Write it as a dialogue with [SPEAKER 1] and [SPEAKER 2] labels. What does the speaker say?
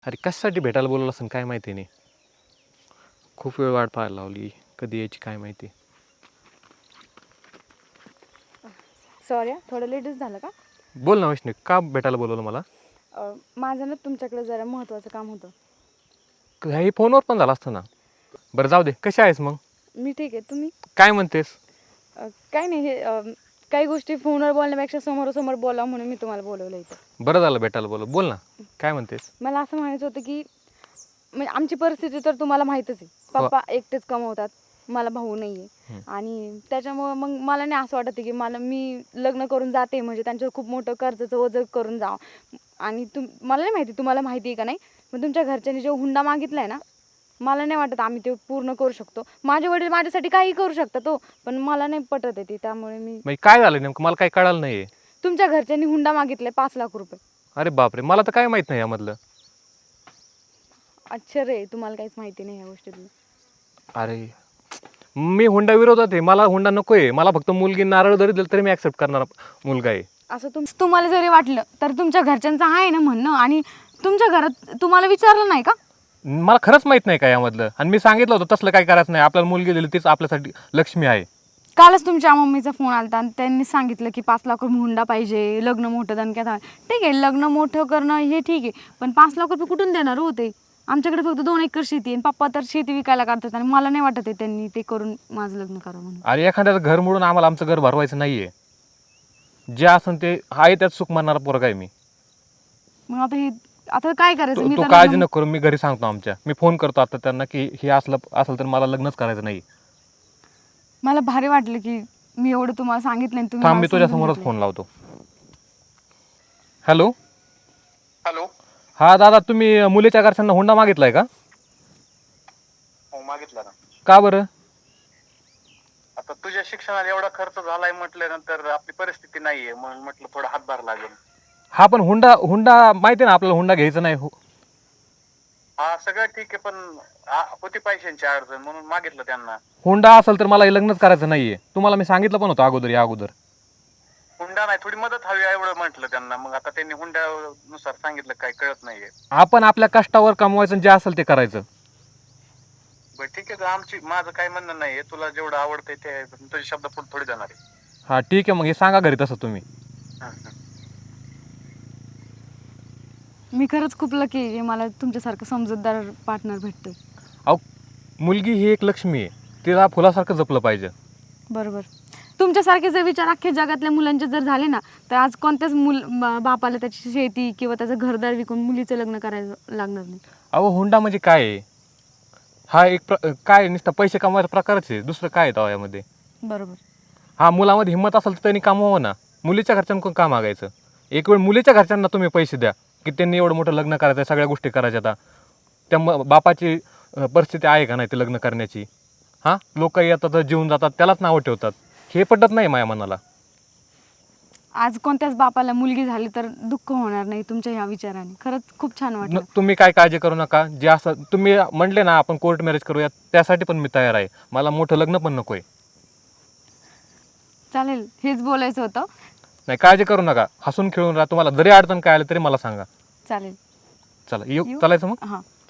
[SPEAKER 1] अरे कशासाठी भेटायला बोलवलं असं काय माहिती नाही. खूप वेळ वाट पाहायला लावली, कधी यायची काय माहिती.
[SPEAKER 2] सॉरी थोडं लेटच झालं का?
[SPEAKER 1] बोल ना वैष्णवी, का भेटायला बोलवलं मला?
[SPEAKER 2] माझं ना तुमच्याकडे जरा महत्त्वाचं काम होतं.
[SPEAKER 1] हे फोनवर पण झालं असतं ना. बरं जाऊ दे, कशी आहेस मग?
[SPEAKER 2] मी ठीक आहे, तुम्ही?
[SPEAKER 1] काय म्हणतेस?
[SPEAKER 2] काय नाही, हे काही गोष्टी फोनवर बोलण्यापेक्षा समोरासमोर बोला म्हणून मी तुम्हाला बोलवलं इथं.
[SPEAKER 1] बरं झालं भेटायला बोलव. बोल ना, काय म्हणतेस?
[SPEAKER 2] मला असं म्हणायचं होतं की म्हणजे आमची परिस्थिती तर तुम्हाला माहीतच आहे.
[SPEAKER 1] हो.
[SPEAKER 2] पप्पा एकटेच कमवतात, मला भाऊ नाही आहे.
[SPEAKER 1] हं.
[SPEAKER 2] आणि त्याच्यामुळं मग मला नाही असं वाटतं की मी लग्न करून जाते म्हणजे त्यांच्यावर खूप मोठं कर्जाचं ओझं करून जावं. आणि मला नाही माहिती तुम्हाला माहिती आहे का नाही, पण तुमच्या घरच्यांनी जो हुंडा मागितला आहे ना, मला नाही वाटत आम्ही ते पूर्ण करू शकतो. माझे वडील माझ्यासाठी काही करू शकतात तो, पण मला नाही पटत आहे ते. त्यामुळे
[SPEAKER 1] म्हणजे काय झालं नेमकं, मला काही कळालं नाही.
[SPEAKER 2] तुमच्या घरच्यांनी हुंडा मागितलाय 5 लाख रुपये.
[SPEAKER 1] अरे बापरे, मला तर काय माहित नाही यामधलं.
[SPEAKER 2] आश्चर्य आहे, तुम्हाला काहीच माहिती नाही ह्या गोष्टीतलं.
[SPEAKER 1] अरे मी हुंडा विरोधात आहे, मला हुंडा नको आहे. मला फक्त मुलगी नारळ जरी दिलं तरी मी ॲक्सेप्ट करणार मुलगा आहे.
[SPEAKER 2] असं तुम्हाला जरी वाटलं तर तुमच्या घरच्यांचं आहे ना म्हणणं, आणि तुमच्या घरात तुम्हाला विचारलं नाही का?
[SPEAKER 1] मला खरंच माहित नाही का यामधलं. आणि मी सांगितलं होतं तसलं काय करायचं नाही, आपल्याला मुलगी दिली तीच आपल्यासाठी लक्ष्मी आहे.
[SPEAKER 2] कालच तुमच्या मम्मीचा फोन आला आणि त्यांनी सांगितलं की 5 लाख रुपये हुंडा पाहिजे, लग्न मोठं दणक्यात. ठीक आहे, लग्न मोठं करणं हे ठीक आहे, पण 5 लाख रुपये कुठून देणार होते? आमच्याकडे फक्त 2 एकर शेती आहे आणि पप्पा तर शेती विकायला काढतात, आणि मला नाही वाटत आहे त्यांनी ते करून माझं लग्न करावं म्हणून.
[SPEAKER 1] अरे एखाद्याचं घर मोडून आम्हाला आमचं घर भरवायचं नाहीये. जे असं ते आहे त्यात सुख मानणारा पोरगा आहे मी.
[SPEAKER 2] मग आता काय करायचं? मी
[SPEAKER 1] तू
[SPEAKER 2] तर
[SPEAKER 1] काळजी नको करू, मी घरी सांगतो आमच्या. मी फोन करतो आता त्यांना की हे असलं तर मला लग्नच करायचं नाही.
[SPEAKER 2] मला भारी वाटलं की मी एवढं तुम्हाला सांगितलं आणि तुम्ही
[SPEAKER 1] थांब, मी
[SPEAKER 2] मला
[SPEAKER 1] तुझ्या
[SPEAKER 2] समजून
[SPEAKER 1] समोरच
[SPEAKER 2] घेतलं.
[SPEAKER 1] फोन लावतो. हॅलो.
[SPEAKER 3] हॅलो.
[SPEAKER 1] हा दादा, तुम्ही मुलीच्या घरच्यांना हुंडा मागितलाय का?
[SPEAKER 3] हो, मागितला ना.
[SPEAKER 1] का बरं?
[SPEAKER 3] आता तुझ्या शिक्षणाला एवढा खर्च झालाय म्हटल्यानंतर आपली परिस्थिती नाहीये, म्हणून म्हटलं थोडा हातभार लागेल.
[SPEAKER 1] हा पण हुंडा माहिती ना आपल्याला, हुंडा घ्यायचा नाही.
[SPEAKER 3] हा सगळं ठीक आहे, पण होती पैशांची अडचण म्हणून मागितलं त्यांना.
[SPEAKER 1] हुंडा असेल तर मला हे लग्नच करायचं नाहीये. तुम्हाला मी सांगितलं पण होतं अगोदर.
[SPEAKER 3] हुंडा नाही, थोडी मदत हवी एवढं म्हटलं त्यांना. मग आता त्यांनी हुंड्यानुसार सांगितलं, काय कळत नाहीये.
[SPEAKER 1] आपण आपल्या कष्टावर कमवायचं, जे असेल ते करायचं.
[SPEAKER 3] बरं ठीक आहे, तर माझं काय म्हणणं नाहीये. तुला जेवढं आवडतंय ते तुझे शब्द पुढे थोडी जाणार आहे.
[SPEAKER 1] हा ठीक आहे, मग हे सांगा घरी तसं तुम्ही.
[SPEAKER 2] मी खरंच खूप लकी आहे, मला तुमच्यासारखं समजूतदार पार्टनर भेटतोय.
[SPEAKER 1] अहो, मुलगी ही एक लक्ष्मी आहे, तिला फुलासारखं जपलं पाहिजे.
[SPEAKER 2] बरोबर. तुमच्यासारखे जर विचार अख्ख्या जगातल्या मुलांचे जर झाले ना, तर आज कोणत्याच बापाला त्याची शेती किंवा त्याचं घरदार विकून मुलीचं लग्न करायला लागणार नाही.
[SPEAKER 1] अहो, हुंडा म्हणजे काय आहे? हा एक काय नुसतं पैसे कमवायचा प्रकारच आहे, दुसरं काय आहे यामध्ये?
[SPEAKER 2] बरोबर.
[SPEAKER 1] हा, मुलामध्ये हिंमत असेल तर त्यांनी कमवावं ना. मुलीच्या घरच्यांकडून का मागायचं? एक वेळ मुलीच्या घरच्यांना तुम्ही पैसे द्या की त्यांनी एवढं मोठं लग्न करायचं, सगळ्या गोष्टी करायच्या. आता त्या बापाची परिस्थिती आहे का नाही ते लग्न करण्याची? हां, लोक येतात जीवन जातात, त्यालाच नावं ठेवतात. हे पटत नाही माझ्या मनाला.
[SPEAKER 2] आज कोणत्याच बापाला मुलगी झाली तर दुःख होणार नाही तुमच्या ह्या विचाराने. खरंच खूप छान वाटलं.
[SPEAKER 1] तुम्ही काय काळजी करू नका. जे असं तुम्ही म्हणले ना आपण कोर्ट मॅरेज करूया, त्यासाठी पण मी तयार आहे. मला मोठं लग्न पण नको आहे.
[SPEAKER 2] चालेल, हेच बोलायचं होतं.
[SPEAKER 1] नाही, काळजी करू नका. हसून खेळून राहा. तुम्हाला जरी अडचण काय आली तरी मला सांगा.
[SPEAKER 2] चालेल.
[SPEAKER 1] चला, येऊ चालायचं मग.
[SPEAKER 2] हां.